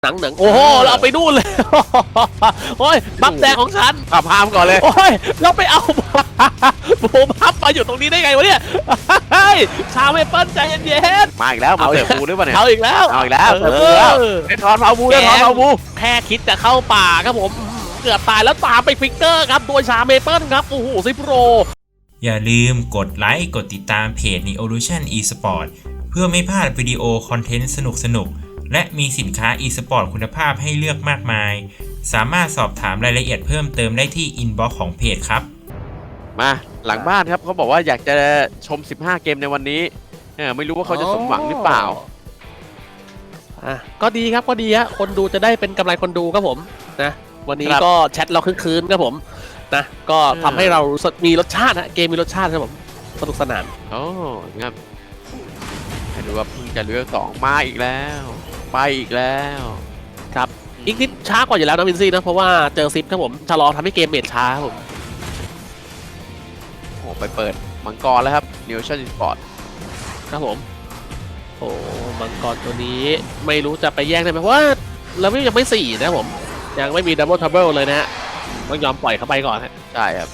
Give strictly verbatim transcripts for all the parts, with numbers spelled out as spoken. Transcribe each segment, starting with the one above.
หนังหนังโอ้โหเราไปนู่นเลยโอ้ยบัฟแดงของฉันขับพามก่อนเลยโอ้ยเราไปเอาโบบัฟมาอยู่ตรงนี้ได้ไงวะเนี่ยชาเมเปิ้ลใจเย็นๆมาอีกแล้วมาเสิร์ฟบูหรือเปล่าเนี่ยเอาอีกแล้วเอาอีกแล้วเสิร์ฟบูแล้วได้ทอนเผาบูได้ทอนเผาบูแค่คิดจะเข้าป่าครับผมเกือบตายแล้วตามไปฟิกเกอร์ครับโดยชาเมเปิ้ลครับโอ้โหซิโปรอย่าลืมกดไลค์กดติดตามเพจ Neolution Esport เพื่อไม่พลาดวิดีโอคอนเทนต์สนุกๆและมีสินค้า e-sport คุณภาพให้เลือกมากมายสามารถสอบถามรายละเอียดเพิ่มเติมได้ที่อินบ็อกซ์ของเพจครับมาหลังบ้านครับเขาบอกว่าอยากจะชมสิบห้าเกมในวันนี้เออไม่รู้ว่าเขาจะสมหวังหรือเปล่าอ่ะก็ดีครับก็ดีฮะคนดูจะได้เป็นกำไรคนดูครับผมนะวันนี้ก็แชทเราคืนๆครับผมนะก็ทำให้เรามีรสชาติฮะเกมมีรสชาติครับผมสนุกสนานโอ้ครับให้ดูว่าเพิ่งจะเลือกสองมาอีกแล้วไปอีกแล้วครับอีกนิดช้ากว่าอยู่แล้วนะวินซี่นะเพราะว่าเจอซิปครับผมชะลอทำให้เกมเมทช้าครับผมโอ้ไปเปิดมังกรแล้วครับ Neolution Esport ครับผมโอ้มังกรตัวนี้ไม่รู้จะไปแย่งได้ไหมเพราะว่าเราไม่ยังไม่สี่นะผมยังไม่มีดับเบิลทับเบิลเลยนะฮะต้องยอมปล่อยเข้าไปก่อนฮะใช่ครับ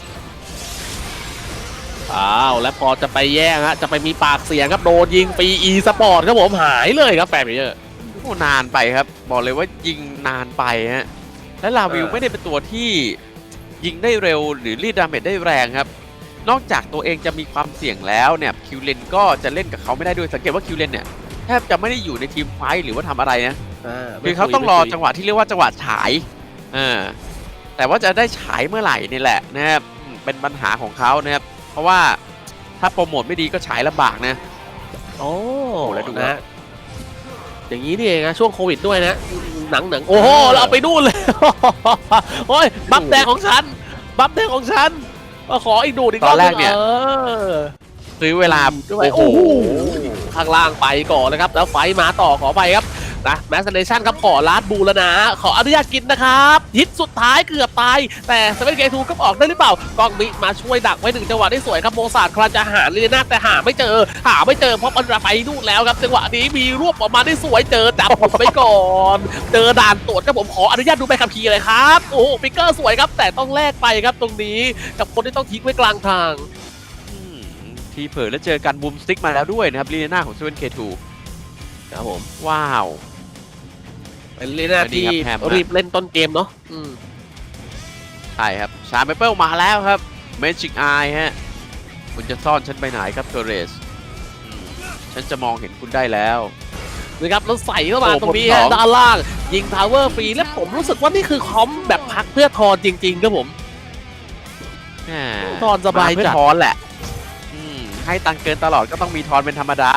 อ้าวแล้วพอจะไปแย่งฮะจะไปมีปากเสียงครับโดนยิงปีอีสปอร์ตครับผมหายเลยครับแปมเยอะโอ้นานไปครับบอกเลยว่ายิงนานไปฮะและลาวิวไม่ได้เป็นตัวที่ยิงได้เร็วหรือรีดดาเมจได้แรงครับนอกจากตัวเองจะมีความเสี่ยงแล้วเนี่ยคิวเลนก็จะเล่นกับเขาไม่ได้ด้วยสังเกตว่าคิวเลนเนี่ยแทบจะไม่ได้อยู่ในทีมไฟท์หรือว่าทำอะไรนะคือเขาต้องรอจังหวะที่เรียกว่าจังหวะฉายอ่าแต่ว่าจะได้ฉายเมื่อไหร่นี่แหละนะครับเป็นปัญหาของเขานะครับเพราะว่าถ้าโปรโมทไม่ดีก็ฉายลำบากนะโอ้แล้วดูนะอย่างนี้นี่เองนะช่วงโควิดด้วยนะหนังหนังโอ้โหเราเอาไปนู่นเลยโอ้ยบัฟแดงของฉันบัฟแดงของฉันมาขออีกดูดอีกตอนแรกเนี่ยซื้อเวลาด้วยโอ้โหข้างล่างไปก่อนนะครับแล้วไฟมาต่อขอไปครับนะแมสเซนเนชั่นครับขอลาดบูแล้วนะขออนุญาตกินนะครับฮิตสุดท้ายเกือบตายแต่เซเว่นเกทูก็ออกได้หรือเปล่ากองมิมาช่วยดักไว้หนึ่งจังหวะได้สวยครับโมซาร์คลาจะหาลีน่าแต่หาไม่เจอหาไม่เจอเพราะมันไปนู่นแล้วครับจังหวะนี้มีรวบออกมาได้สวยเจอดับไปก่อนเจอด่านตรวจครับผมขออนุญาตดูใบขับขี่เลยครับโอ้โหฟิกเกอร์สวยครับแต่ต้องแลกไปครับตรงนี้กับคนที่ต้องทิ้งไว้กลางทางทีเผลอแล้วเจอกันบูมสติ๊กมาแล้วด้วยนะครับลีน่าของเซเว่นเคทูครับผมว้าวเป็นลีน่าที่รีบเล่นต้นเกมเนาะใช่ครับชาเมเปิลมาแล้วครับเมจิกไอฮะคุณจะซ่อนฉันไปไหนครับเทเรสฉันจะมองเห็นคุณได้แล้วนะครับแล้วใส่เข้ามาตรงนี้ฮะด้านล่างยิงทาวเวอร์ฟรีและผมรู้สึกว่านี่คือคอมแบบพักเพื่อทอนจริงๆครับผมทอนสบายจัดทอนแหละให้ตังเกินตลอดก็ต้องมีทอนเป็นธรรมดา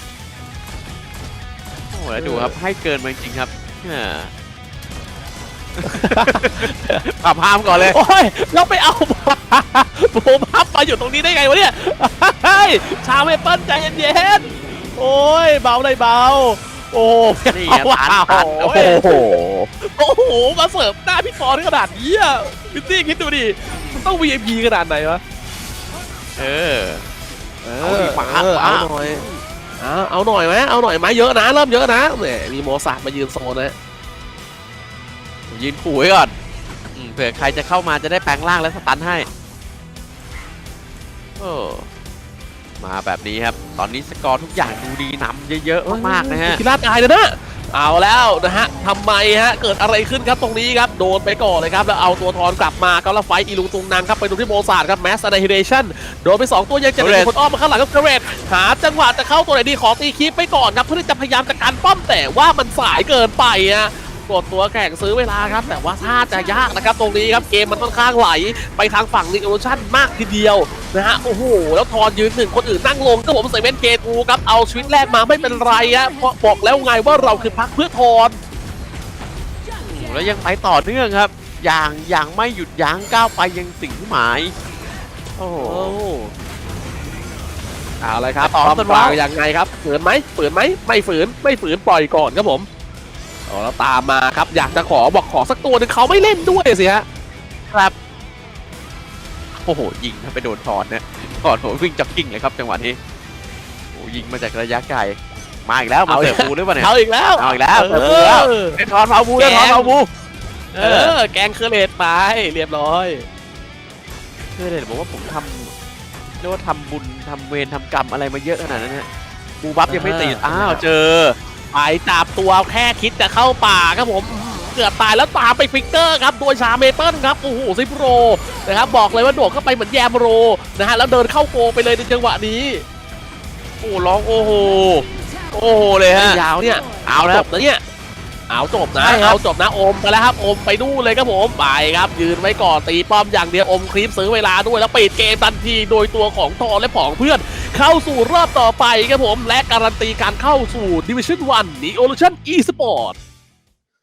โอ้แล้วดูครับให้เกินมาจริงครับขับพามก่อนเลยโอ้ยเราไปเอาโบบัฟมาอยู่ตรงนี้ได้ไงวะเนี่ยชาเมเปิ้ลใจเย็นๆโอ้ยเบาเลยเบาโอ้นี่ว้าวโอ้โหโอ้โหมาเสิร์ฟหน้าพี่ฟอร์ขนาดนี้อ่ะพี่ตี้คิดดูดิมันต้อง วี ไอ พี ขนาดไหนวะเออเอาดิมาเอาหน่อยเอาหน่อยไหมเอาหน่อยไหมเยอะนะเริ่มเยอะนะเนี่ยมีโมซาร์มายืนโซนนะยืนขู่ไว้ก่อนเผื่อใครจะเข้ามาจะได้แปลงร่างและสตันให้โอ้มาแบบนี้ครับตอนนี้สกอร์ทุกอย่างดูดีนำเยอะๆมากๆนะฮะกีฬาตายเลยนะเอาแล้วนะฮะทำไมฮะเกิดอะไรขึ้นครับตรงนี้ครับโดนไปก่อนเลยครับแล้วเอาตัวทอนกลับมาครับแล้วไฟอีลุงตุงนางครับไปดูที่โมซาร์ครับแมสไนฮิเดชั่นโดนไปสองตัวยังจะมีคนอ้อมมาข้างหลังครับเกรดหาจังหวะจะเข้าตัวไหนดีขอตีคลิปไปก่อนครับเพื่อที่จะพยายามจะการป้อมแต่ว่ามันสายเกินไปฮะกดตัวแข่งซื้อเวลาครับแต่ว่าถ้าจะยากนะครับตรงนี้ครับเกมมันค่อนข้างไหลไปทางฝั่งนิโอชั่นมากทีเดียวนะฮะโอ้โหแล้วทอนยืนหนึ่งคนอื่นนั่งลงก็ผมเซเว่นเกทูครับเอาชีวิตแรกมาไม่เป็นไรฮะเพราะบอกแล้วไงว่าเราคือพักเพื่อทอนแล้วยังไปต่อเนื่องครับอย่างอย่างไม่หยุดยั้งก้าวไปยังสิ่งที่หมายโอ้โหเอาเลยครับต่อต้นว่ายังไงครับฝืนไหมฝืนไหมไม่ฝืนไม่ฝืนปล่อยก่อนครับผมอ๋อแล้วตามมาครับอยากจะขอบอกขอสักตัวนึงเขาไม่เล่นด้วยสิฮะครับโอ้โหยิงถ้าไปโดนทอนเนี่ยทอนโหวิ่งจ็อกกิ้งเลยครับจังหวะนี้โอ้ยิงมาจากระยะไกลมาอีกแล้วมาเสิร์ฟบูหรือเปล่าเนี่ยเอาอีกแล้วเอาอีกแล้วเสิร์ฟบูแล้วเออเดทอนเอาบูเดทอนเอาบูเออแกงเคอร์เลตไปเรียบร้อยคือเลยบอกว่าผมทำเรียกว่าทำบุญทำเวรทำกรรมอะไรมาเยอะขนาดนั้นเนี่ยบูบัฟยังไม่ติดอ้าวเจอไปจับตัวแค่คิดจะเข้าป่าครับผมเกือบตายแล้วตามไปฟิกเกอร์ครับโดยชาเมเปิลครับโอ้โหซิปโรนะครับบอกเลยว่าโดดเข้าไปเหมือนแยมโรนะฮะแล้วเดินเข้าโกไปเลยในจังหวะนี้โอ้ร้องโอ้โหโอ้โหเลยฮะยาวเนี่ยเอาแล้วจบนะเนี่ยเอาจบนะใช่ครับเอาจบนะอมไปแล้วครับอมไปดูเลยครับผมไปครับยืนไว้ก่อนตีป้อมอย่างเดียวอมคลิปซื้อเวลาด้วยแล้วปิดเกมทันทีโดยตัวของทอและผองเพื่อนเข้าสู่รอบต่อไปครับผมและการันตีการเข้าสู่ Division วัน Neolution Esport